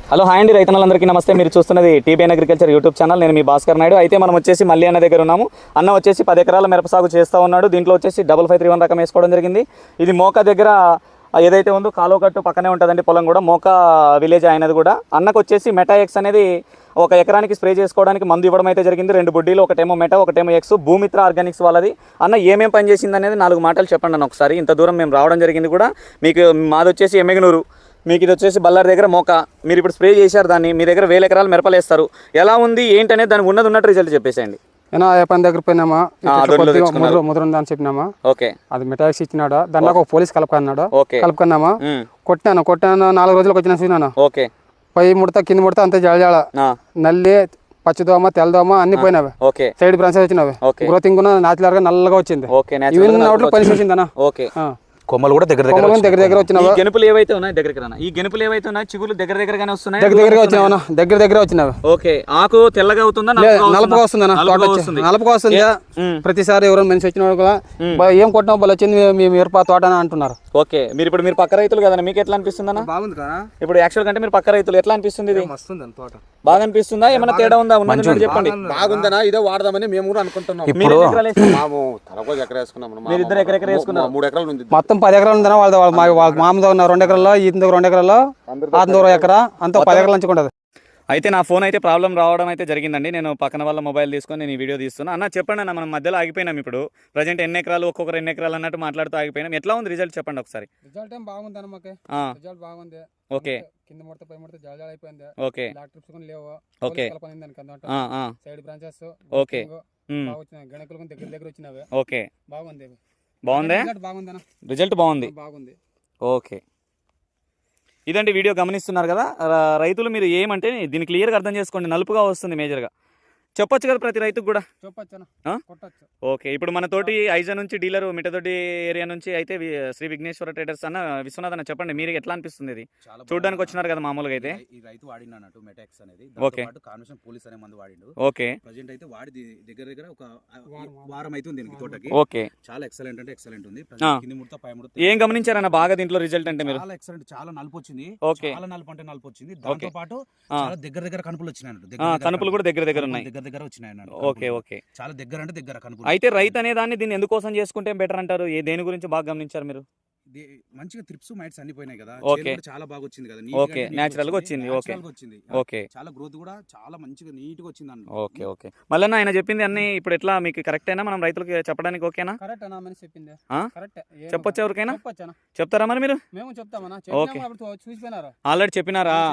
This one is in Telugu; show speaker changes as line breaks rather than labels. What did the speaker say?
హలో హాయ్ అండి రైతన్నలందరికీ నమస్తే. మీరు చూస్తున్నది టీబీఎన్ అగ్రికల్చర్ యూట్యూబ్ ఛానల్. నేను మీ భాస్కర్ నాయుడు. అయితే మనం వచ్చేసి మళ్ళీ అన్న దగ్గర ఉన్నాము. అన్న వచ్చేసి 10 ఎకరాల మిరప సాగు చేస్తూ ఉన్నాడు. దీంట్లో వచ్చేసి 5531 రకం వేసుకోవడం జరిగింది. ఇది మోకా దగ్గర ఏదైతే ఉందో కాలువకట్టు పక్కనే ఉంటుందండి పొలం కూడా, మోకా విలేజ్ అయినది కూడా. అన్నకు వచ్చేసి మెటాఎక్స్ అనేది ఒక ఎకరానికి స్ప్రే చేసుకోవడానికి మందు ఇవ్వడం అయితే జరిగింది. 2 బుడ్డీలు, ఒకటేమో మెటా, ఒకటేమో ఎక్స్, భూమిత్ర ఆర్గానిక్స్ వాళ్ళది. అన్న ఏమేం పని చేసింది అనేది 4 మాటలు చెప్పండి అన్న ఒకసారి. ఇంత దూరం మేము రావడం జరిగింది కూడా. మీకు మాది వచ్చేసి ఎమ్మెగనూరు, మీకు ఇది వచ్చేసి బళ్ళారి దగ్గర మోకా. మీరు ఇప్పుడు స్ప్రే చేశారు దాన్ని, మీ దగ్గర 1000 ఎకరాలు మిరపలేస్తారు. ఎలా ఉంది ఏంటనేది దానికి ఉన్నట్టు రిజల్ట్ చెప్పేసేయండి.
ఏనా ఏ పని దగ్గర పోయినామా, ముద్ర చెప్పినామా,
ఓకే
అది మెటాక్స్ ఇచ్చినాడు. దాంట్లో ఒక పోలీస్ కలుపుకున్నాడు,
ఓకే
కలుపుకున్నామా, కొట్టాను 4 రోజులకు వచ్చిన చూసినాను.
ఓకే
పై ముడత కింద ముడత అంతే జళజాళ, నల్లి, పచ్చిదోమ, తెల్లదోమ అన్ని పోయినవి.
ఓకే
సైడ్ బ్రాంచెస్ వచ్చినవి. గ్రోతింగ్ నాచురల్ గా నల్లగా వచ్చింది. ఇవన్నీ పని చూసిందనా.
ఓకే
కొమ్మలు కూడా దగ్గర
దగ్గర వచ్చినావా.
గెనుపులు ఏవైతే ఉన్నాయి దగ్గరికి రానా, ఈ గెనుపులు ఏవైతే ఉన్నాయి చిగులు దగ్గరగానే వస్తున్నాయి.
దగ్గరగా వచ్చినావా, దగ్గర వచ్చినావి.
ఓకే ఆకు తెల్లగా అవుతుందా,
నలుపుగా వస్తుందన్నా, నలుపుగా వస్తుంది. ప్రతిసారి ఎవరైనా మనిషి వచ్చిన కూడా ఏం కొట్టినా వాళ్ళు వచ్చింది మీ మిరప తోట అని అంటున్నారు.
ఓకే మీరు పక్క రైతులు కదా, మీకు ఎట్లా అనిపిస్తుంది అన్న?
బాగుంది కదా
ఇప్పుడు యాక్చువల్ కంటే మీరు పక్క రైతులు, ఎట్లా అనిపిస్తుంది? ఇది బాగా అనిపిస్తుందా, ఏమైనా తేడా ఉందా? ఉన్నది చెప్పండి.
బాగుందనా, ఇదే వాడదామని మేము కూడా అనుకుంటున్నాం.
ఇప్పుడు
మీరు 2 ఎకరాలు వేసుకున్నారు, 3 ఎకరాలు ఉంది.
మొత్తం 10 ఎకరాలు ఉందన్నా. వాళ్ళ మామూలుగా ఉన్న 2 ఎకరాల్లో, ఈతకు 2 ఎకరాల్లో, ఆతకు 1 ఎకరా, అంతా 10 ఎకరాల నుంచి ఉంటుంది.
అయితే నా ఫోన్ అయితే ప్రాబ్లం రావడం అయితే జరిగిందండి. నేను పక్కన వాళ్ళ మొబైల్ తీసుకొని నేను ఈ వీడియో తీస్తున్నా. అన్న చెప్పండి అన్న, మనం మధ్యలో ఆగిపోయినాం. ఇప్పుడు ప్రజెంట్ ఎన్ని ఎకరాలు, ఒక్కొక్కరు ఎన్ని ఎకరాలు అన్నట్టు మాట్లాడుతూ ఆగిపోయినాం. ఎట్లా ఉంది రిజల్ట్ చెప్పండి ఒకసారి.
రిజల్ట్ ఏం బాగుంది అన్న, మాకు రిజల్ట్ బాగుంది. ఓకే కింద ముడత పై ముడత జలజాల అయిపోయింది.
ఓకే
ట్రిప్స్ లేవు.
ఓకే
సైడ్ బ్రాంచెస్
ఓకే
గణకులు దగ్గర వచ్చినవి.
ఓకే
బాగుంది.
బాగుంది రిజల్ట్ బాగుంది. ఓకే ఇదండి వీడియో గమనిస్తున్నారు కదా రైతులు. మీరు ఏమంటే దీన్ని క్లియర్గా అర్థం చేసుకోండి. నలుపుగా వస్తుంది మేజర్గా. చెప్పొచ్చు కదా ప్రతి రైతుకు కూడా. ఓకే ఇప్పుడు మన తోటి ఐజా నుంచి డీలర్ మిటతోటి ఏరియా నుంచి అయితే శ్రీ విఘ్నేశ్వర ట్రేడర్స్ అన్న విశ్వనాథ్ అన్న, చెప్పండి మీరు ఎట్లా అనిపిస్తుంది? ఇది చూడడానికి వచ్చినారు కదా మామూలుగా అయితే.
ఈ రైతు వాడినట్టు మెటాక్స్ అనేది.
ఓకే
కాన్వర్షన్ పోలీస్ అనే మందు వాడిండు.
ఓకే
ప్రజెంట్ అయితే వాడి దగ్గర ఒక వారం అవుతుంది దీనికి తోటకి.
ఓకే
చాలా ఎక్సలెంట్ అంటే ఎక్సలెంట్ ఉంది. కింది ముడత పై ముడత
ఏం గమనించారన్న బాగా దీంట్లో రిజల్ట్ అంటే మీరు?
చాలా ఎక్సలెంట్, చాలా నలుపు వచ్చింది.
ఓకే
చాలా నలుపు అంటే నలుపు వచ్చింది. దాంతో పాటు చాలా దగ్గర కనుపులు వచ్చినాయి.
కనుపులు కూడా దగ్గర ఉన్నాయి.
దగ్గర వచ్చినాయి.
ఓకే ఓకే
చాలా దగ్గర అంటే దగ్గర కనుపులు.
అయితే రైతు అనే దాన్ని దీన్ని ఎందుకోసం చేసుకుంటే బెటర్ అంటారు? దేని గురించి బాగా గమనించారు మీరు?
మంచిగా త్రిప్స్ మైట్స్ అన్ని పోయినాయి కదా.
ఓకే
చాలా బాగా వచ్చింది కదా.
ఓకే నేచురల్ గా వచ్చింది. ఓకే ఓకే
చాలా గ్రోత్ కూడా చాలా మంచిగా నీట్ గా వచ్చింది అన్న.
ఓకే ఓకే మళ్ళీ ఆయన చెప్పింది అన్ని ఇప్పుడు ఎట్లా మీకు కరెక్ట్ అయినా మనం రైతులకు చెప్పడానికి ఓకేనా? చెప్పొచ్చు ఎవరికైనా చెప్తారా మరి మీరు?
మేము చెప్తామన్నా.
Okay already చెప్పినారా?